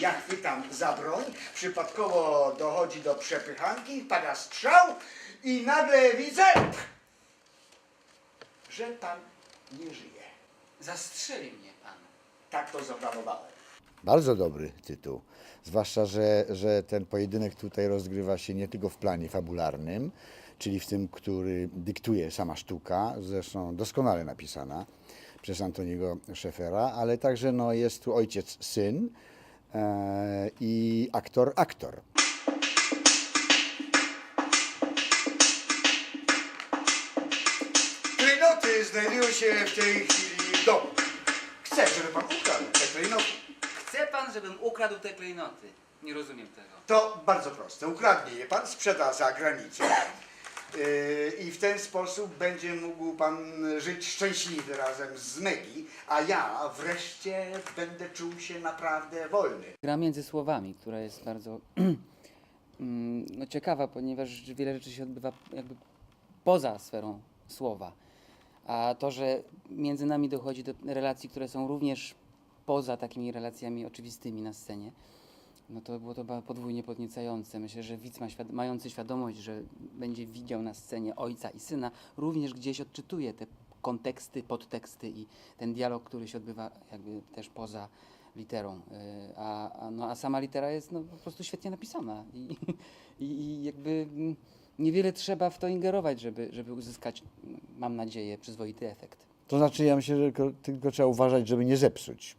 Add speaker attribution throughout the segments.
Speaker 1: Ja chwytam za broń, przypadkowo dochodzi do przepychanki, pada strzał i nagle widzę, że pan nie żyje.
Speaker 2: Zastrzeli mnie pan.
Speaker 1: Tak to zaplanowałem.
Speaker 3: Bardzo dobry tytuł. Zwłaszcza, że ten pojedynek tutaj rozgrywa się nie tylko w planie fabularnym, czyli w tym, który dyktuje sama sztuka, zresztą doskonale napisana przez Antoniego Szefera, ale także no, jest tu ojciec, syn i aktor.
Speaker 1: Klejnoty znajdują się w tej chwili w domu. Chcę, żeby pan ukradł te klejnoty.
Speaker 2: Chce pan, żebym ukradł te klejnoty? Nie rozumiem tego.
Speaker 1: To bardzo proste. Ukradnie je pan, sprzeda za granicę. I w ten sposób będzie mógł pan żyć szczęśliwy razem z Megi, a ja wreszcie będę czuł się naprawdę wolny.
Speaker 4: Gra między słowami, która jest bardzo no, ciekawa, ponieważ wiele rzeczy się odbywa jakby poza sferą słowa. A to, że między nami dochodzi do relacji, które są również poza takimi relacjami oczywistymi na scenie, no to było to podwójnie podniecające. Myślę, że widz mający świadomość, że będzie widział na scenie ojca i syna, również gdzieś odczytuje te konteksty, podteksty i ten dialog, który się odbywa jakby też poza literą. A sama litera jest no, po prostu świetnie napisana i jakby niewiele trzeba w to ingerować, żeby uzyskać, mam nadzieję, przyzwoity efekt.
Speaker 3: To znaczy, ja myślę, że tylko trzeba uważać, żeby nie zepsuć.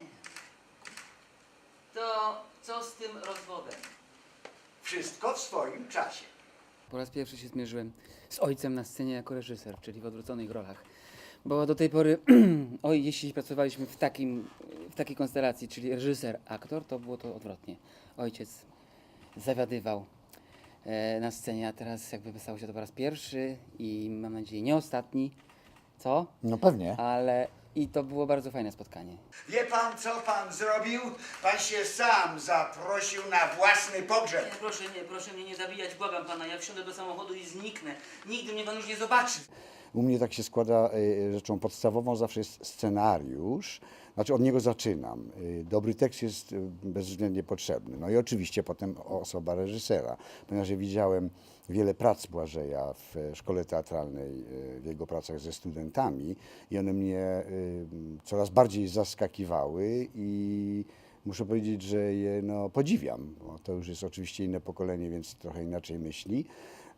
Speaker 2: To co z tym rozwodem?
Speaker 1: Wszystko w swoim czasie.
Speaker 4: Po raz pierwszy się zmierzyłem z ojcem na scenie jako reżyser, czyli w odwróconych rolach. Bo do tej pory, jeśli pracowaliśmy w takiej konstelacji, czyli reżyser, aktor, to było to odwrotnie. Ojciec zawiadywał na scenie, a teraz jakby stało się to po raz pierwszy i mam nadzieję nie ostatni. Co?
Speaker 3: No pewnie.
Speaker 4: Ale i to było bardzo fajne spotkanie.
Speaker 1: Wie pan, co pan zrobił? Pan się sam zaprosił na własny pogrzeb.
Speaker 2: Proszę mnie nie zabijać, błagam pana. Ja wsiądę do samochodu i zniknę. Nigdy mnie pan już nie zobaczy.
Speaker 3: U mnie tak się składa, rzeczą podstawową zawsze jest scenariusz, znaczy od niego zaczynam. Dobry tekst jest bezwzględnie potrzebny. No i oczywiście potem osoba reżysera, ponieważ ja widziałem wiele prac Błażeja w szkole teatralnej, w jego pracach ze studentami i one mnie coraz bardziej zaskakiwały i muszę powiedzieć, że je no, podziwiam, bo to już jest oczywiście inne pokolenie, więc trochę inaczej myśli.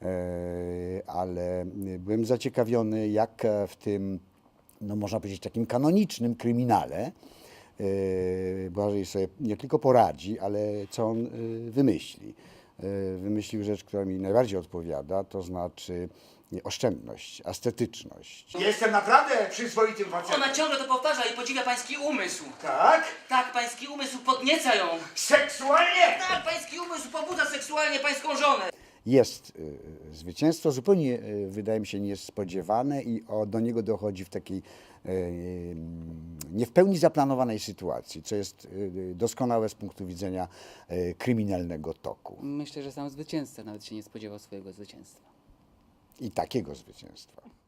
Speaker 3: Ale byłem zaciekawiony, jak w tym, no można powiedzieć, takim kanonicznym kryminale Błażej sobie nie tylko poradzi, ale co on wymyśli. Wymyślił rzecz, która mi najbardziej odpowiada, to znaczy oszczędność, estetyczność.
Speaker 1: Jestem naprawdę przyzwoitym facetem.
Speaker 2: Ona ciągle to powtarza i podziwia pański umysł.
Speaker 1: Tak?
Speaker 2: Tak, pański umysł podnieca ją.
Speaker 1: Seksualnie?
Speaker 2: Tak, pański umysł pobudza seksualnie pańską żonę.
Speaker 3: Jest zwycięstwo zupełnie, wydaje mi się, niespodziewane i do niego dochodzi w takiej nie w pełni zaplanowanej sytuacji, co jest doskonałe z punktu widzenia kryminalnego toku.
Speaker 4: Myślę, że sam zwycięzca nawet się nie spodziewał swojego zwycięstwa.
Speaker 3: I takiego zwycięstwa.